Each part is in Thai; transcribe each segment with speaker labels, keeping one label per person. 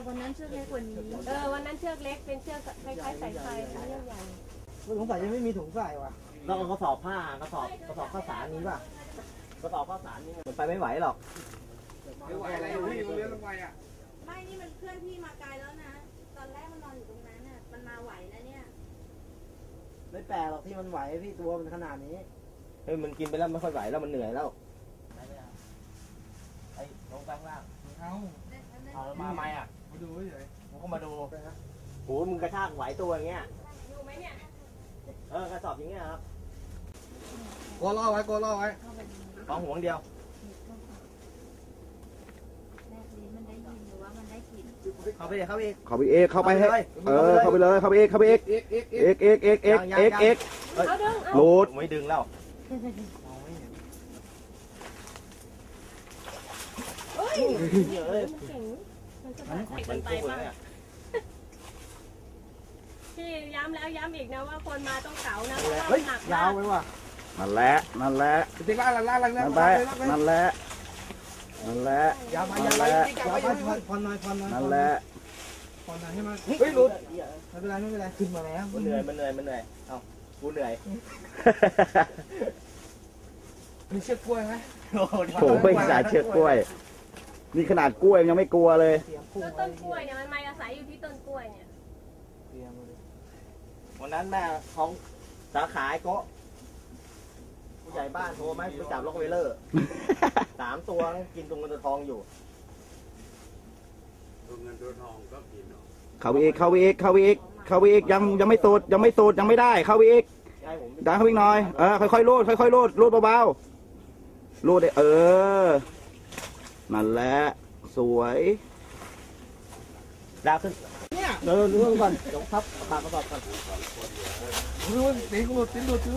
Speaker 1: วันนั้นเชือกเล็กกว่านี้วันนั้นเชือกเล็กเป็นเชือกคล้ายๆสายไฟเชือกใหญ่
Speaker 2: สงสัยยังไม่มีถุงใส่ว่ะเราเอากระสอบผ้ากระสอบข้าวสารนี้ป่ะกระสอบข้าวสารนี่มันไปไม่ไหวหรอก
Speaker 3: ไม่ไหวอะไรพี่มันเลี้ยงลงไปอ่ะ
Speaker 1: ไม่นี่มันเคลื่อนที่มาไกลแล้วนะตอนแรกมันนอนอยู่ตรงนั้นน่ะมันมาไหวนะเนี่ย
Speaker 2: ไม่แปลกหรอกที่มันไหวพี่ตัวมันขนาดนี้เฮ้ยมันกินไปแล้วไม่ค่อยไหวแล้วมันเหนื่อยแล้วไอ้ลงไปข้างล่างเอามาไหมอ่ะมาดูเฉยผมก็มาดูโหมึงกระชากไหวตัวอย่างเงี้ย
Speaker 1: อยู่ไหมเนี่ย
Speaker 2: กระสอบอย่างเงี้ยครับ
Speaker 3: กลัวล่อไว้
Speaker 2: ของห่วงเดียวเข้าไปเข้าไป
Speaker 4: เข้าไปให้เข้าไปเลยเข้าไปเข้าไปเอกโหลด
Speaker 2: ไม่ดึงแล้ว
Speaker 1: มันไปมากพี่ย้ำแล้วย้ำอีกนะว่าคนมาต้องเก๋านะ
Speaker 2: เฮ้ยยาวไปว่ะ
Speaker 4: นั่นแหละ
Speaker 3: ติ๊กล่าง
Speaker 4: นั่นแหละ
Speaker 3: ยาวไปผ่อนหน่อย
Speaker 4: นั่นแหละ
Speaker 3: ผ่อนหน่อยให้มันเฮ้ยหลุดไม่เป็นไรขึ้นมาแล้ว
Speaker 2: มันเหนื่อยเอ้ากูเหนื่อย
Speaker 3: มีเชือกกล้วยไหม
Speaker 4: โอ้ยสายเชือกกล้วยนี่ขนาดกล้วยยังไม่กลัวเลย
Speaker 1: ต้นกล้วยเนี่ยมันมาอาศัยอยู่ที่ต้นกล้วยเนี่ย
Speaker 2: วันนั้นแม่ของสาขาโกะผู้ใหญ่บ้านโทรไหมไปจับล็อกเวลเลอร์3 ตัวกินตรงเงินตัวทองอยู่
Speaker 4: ตัวเงินตัวทองก็กินเข้าไปอีกยังไม่ตูดยังไม่ได้เข้าไปอีกดันเข้าไปหน่อยค่อยๆรูดเบาๆรูดได้นั่นแหละสวย
Speaker 2: ดาวขึ้นเนี่ยเรื่องก่อนยกทับปากกระสอบก่อน
Speaker 3: ตีนหลุด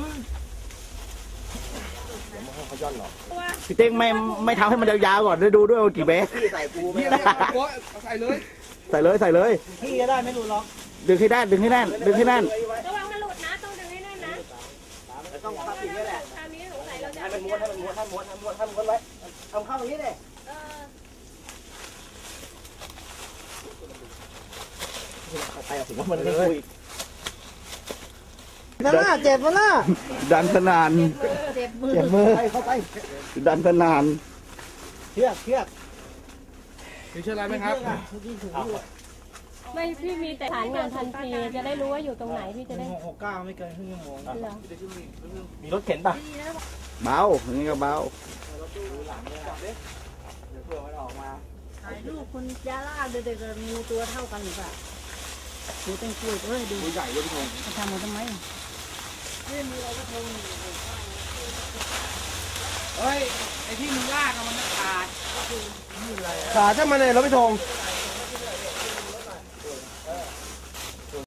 Speaker 2: เขาย้อนหรอ
Speaker 4: พี่เต้งไม่ทำให้มันยาวๆก่อนดูด้วยว่ากี่เมตร
Speaker 2: พี่ใส่ปูไม่
Speaker 3: ได้ใส่
Speaker 4: เลย
Speaker 2: พี่จะได้ไม่หลุดหรอก
Speaker 4: ดึงให้แน่น
Speaker 1: ระวังมันหลุดนะต้องดึงให้แน่นนะ
Speaker 2: ต้องทับอีกนี่แหละ
Speaker 1: ทางนี้สงสัยเราจะ
Speaker 2: ให้มันม้วนไว้ทำเข้าตรงนี้เลยไปถึงว่ามันไม่คุยเจ็บมันล่ะ
Speaker 4: ดันสนาน
Speaker 1: เจ็บมือ
Speaker 2: เข้าไป
Speaker 4: ดันสนาน
Speaker 2: เชือก
Speaker 3: มีเชือกอะไรไหมครับ
Speaker 1: ไม่พี่มีแต่ฐานงานทันทีจะได้รู้ว่าอยู่ตรงไหนพี่จะได้
Speaker 2: 69ไม่เกินครึ่งชั่วโมงมีรถเข็นป่ะ
Speaker 4: เบาอย่างนี้ก็เบา
Speaker 1: ถ่ายรูปคุณยาล่าเด็กๆมีตัวเท่ากันหรือเปล่าดูเป็นกล้วยดู
Speaker 2: ใหญ่ด้วยพี่ธง
Speaker 1: ทำมาทำไม
Speaker 3: เฮ้ยไอที่มึงลากมันขาด
Speaker 2: ขาดใช่ไหมเนี่ยเราพี่ธง